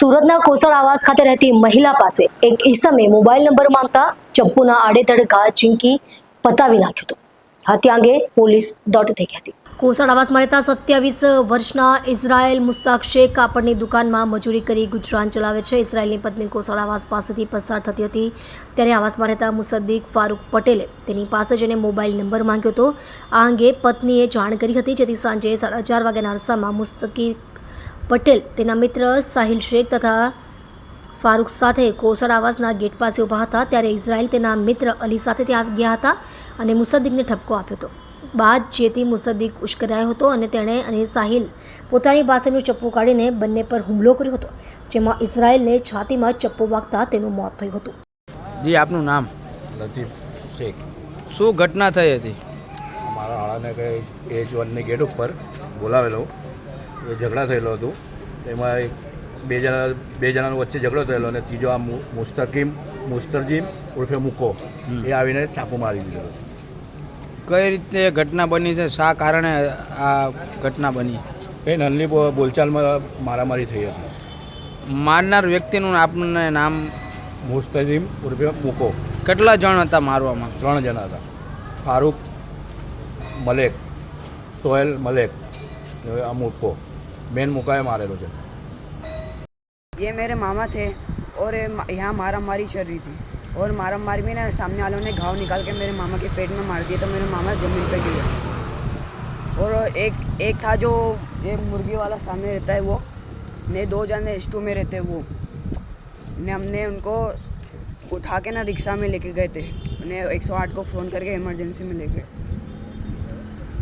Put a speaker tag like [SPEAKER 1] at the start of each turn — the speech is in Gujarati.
[SPEAKER 1] સુરતના કોસળ આવાસ ખાતે રહેતી મહિલા પાસે એક ઈસમે મોબાઈલ નંબર માંગતા ચપ્પુના આડેધડ ઘા ઝીંકી પતાવી નાખ્યો હતો. હત્યા અંગે પોલીસ દોડ થઈ ગઈ હતી. કોસળ આવાસમાં રહેતા 27 વર્ષના ઇઝરાયલ મુસ્તાક શેખ કાપડની દુકાનમાં મજૂરી કરી ગુજરાન ચલાવે છે. ઇઝરાયલની પત્ની કોસળ આવાસ પાસેથી પસાર થતી હતી ત્યારે આવાસમાં રહેતા મુસદ્દીક ફારૂક પટેલે તેની પાસે જઈને મોબાઈલ નંબર માંગ્યો હતો. આ અંગે પત્નીએ જાણ કરી હતી, જેથી સાંજે 4:30 વાગ્યાના અરસામાં મુસ્તકીક પટેલ તેના મિત્ર સાહિલ શેખ તથા ફારૂક સાથે કોસળ આવાસના ગેટ પાસે ઊભા હતા ત્યારે ઇઝરાયલ તેના મિત્ર અલી સાથે ત્યાં ગયા હતા અને મુસદ્દીકને ઠપકો આપ્યો હતો. બાદ જેથી મુસદ્દીક ઉશ્કેરાયો હતો અને તેણે અને સાહિલ પોતાની પાસેનું ચપ્પુ કાઢીને બંને પર હુમલો કર્યો હતો, જેમાં ઇઝરાયલને છાતીમાં ચપ્પુ વાગતા તેનું મોત થયું હતું.
[SPEAKER 2] જી, આપનું નામ?
[SPEAKER 3] લતીફ શેખ.
[SPEAKER 2] શું ઘટના થઈ હતી?
[SPEAKER 3] અમારા શાળાને કંઈ H1ની ગેટ ઉપર બોલાવેલો, એ ઝઘડા થયેલો હતો. એમાં બે જણાનો વચ્ચે ઝઘડો થયેલો અને ત્રીજો આ મુસ્તરજીમ ઉર્ફે મુકો એ આવીને ચાકુ મારી દીધેલો.
[SPEAKER 2] કઈ રીતે ઘટના બની છે? શા કારણે આ ઘટના બની?
[SPEAKER 3] એ નલ્લી બોલચાલમાં મારામારી થઈ હતી.
[SPEAKER 2] મારનાર વ્યક્તિનું આપને નામ?
[SPEAKER 3] મુસ્તજીમ ઉર્ફે મુકો.
[SPEAKER 2] કેટલા જણ હતા મારવામાં?
[SPEAKER 3] 3 જણા હતા. ફારૂક મલેક, સોહેલ મલેક, આ મુકો. મેન મુકાએ મારેલો છે.
[SPEAKER 4] ये मेरे मामा थे और यहाँ मारा मारी चल रही थी और मारा मारी में ना सामने वालों ने घाव निकाल के मेरे मामा के पेट में मार दिया तो मेरे मामा ज़मीन पे गिरे. और एक था जो एक मुर्गी वाला सामने रहता है वो, ने 2 जने स्टू में रहते वो, ने हमने उनको उठा के ना रिक्शा में लेके गए थे, उन्हें 108 को फ़ोन करके इमरजेंसी में ले गए.